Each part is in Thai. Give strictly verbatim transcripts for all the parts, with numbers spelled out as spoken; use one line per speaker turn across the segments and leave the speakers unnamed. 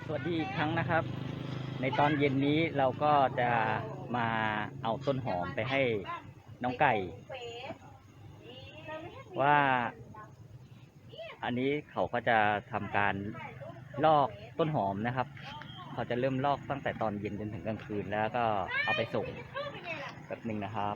สวัสดีอีกครั้งนะครับ ในตอนเย็นนี้เราก็จะมาเอาต้นหอมไปให้น้องไก่ ว่า อันนี้เขาก็จะทำการลอกต้นหอมนะครับ เขาจะเริ่มลอกตั้งแต่ตอนเย็นจนถึงกลางคืนแล้วก็เอาไปส่งแบบหนึ่งนะครับ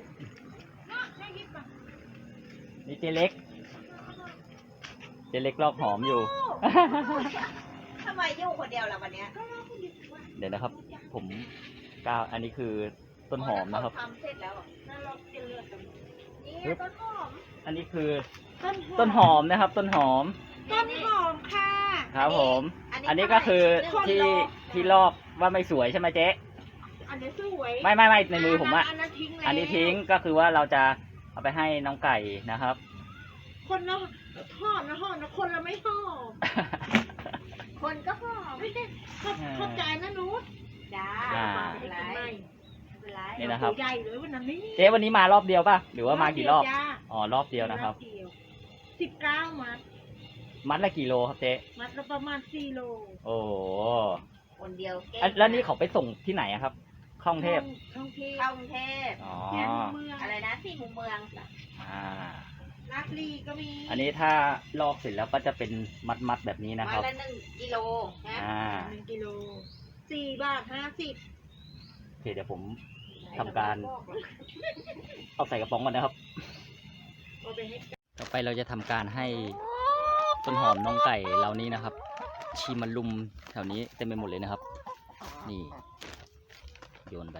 นี่เจเล็กเจเล็กลอกหอมอยู่
ทำไมอยู่คนเดียวล่ะวันเนี้ย
เดี๋ยวนะครับ ผมก้าวอันนี้คือต้นหอมนะครับ
ทำเสร็จแล้วน่ารักจะเลือกนี่ต้นหอม
อันนี้คือต้นหอมนะครับ ต้นหอม
ต้นหอมค่ะ
ครับผม อันนี้ก็คือที่ที่ลอกว่าไม่สวยใช่ไหมเจ๊
อันนี้สวย
ไม่ไม่ไม่ในมือผมอะ
อันนั้นทิ้งแล้ว
อันนี้ทิ้งก็คือว่าเราจะเอาไปให้น้องไก่นะครับ
คนละหอมนะหอมนะคนละไม่หอมคนก็หอมไม่ใช่เข้าใจนะนุชจ้า
อ่า
ไม่เป็นไรไม่เป็นไร
นี่นะครับ
ใหญ่เลยวันนั้นนี่
เจ๊วันนี้มารอบเดียวป่ะหรือว่ามากี่รอบอ๋อรอบเดียวนะครับ
สิบเก้ามัด
มัดละกี่โลครับเจ๊
มัดละประมาณสี่โล
โอ้โห
คนเดียวเก่ง
อันแล้วนี่เขาไปส่งที่ไหนอะครับข้องเทพ
ท่องเทพเข้ากรุงเทพ
อ๋อ
แค่เมืองอะไรนะที่มุมเมือง
อ่า
ลาดลีก็มี
อันนี้ถ้าลอกเสร็จแล้วก็จะเป็นมัดมัดๆแบบนี้นะค
วั
รั
น
บ
ละหนึ่งกิโลนะ
อ่า
หนึ่งกิโลสี่บาทห้าสิบ
โอเคเดี๋ยวผมทำการเอาใส่กระป๋องก่อนนะครับ
เอาไปให้
ต่อไปเราจะทำการให้ต้นหอมน้องไก่เหล่านี้นะครับ ชีมันลุมแถวนี้เต็มไปหมดเลยนะครับ นี่โยนไป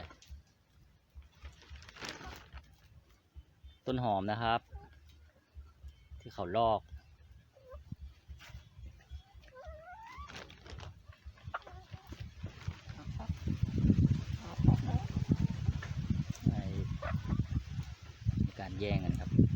ต้นหอมนะครับ ที่เขาลอกในการแย่งกันครับ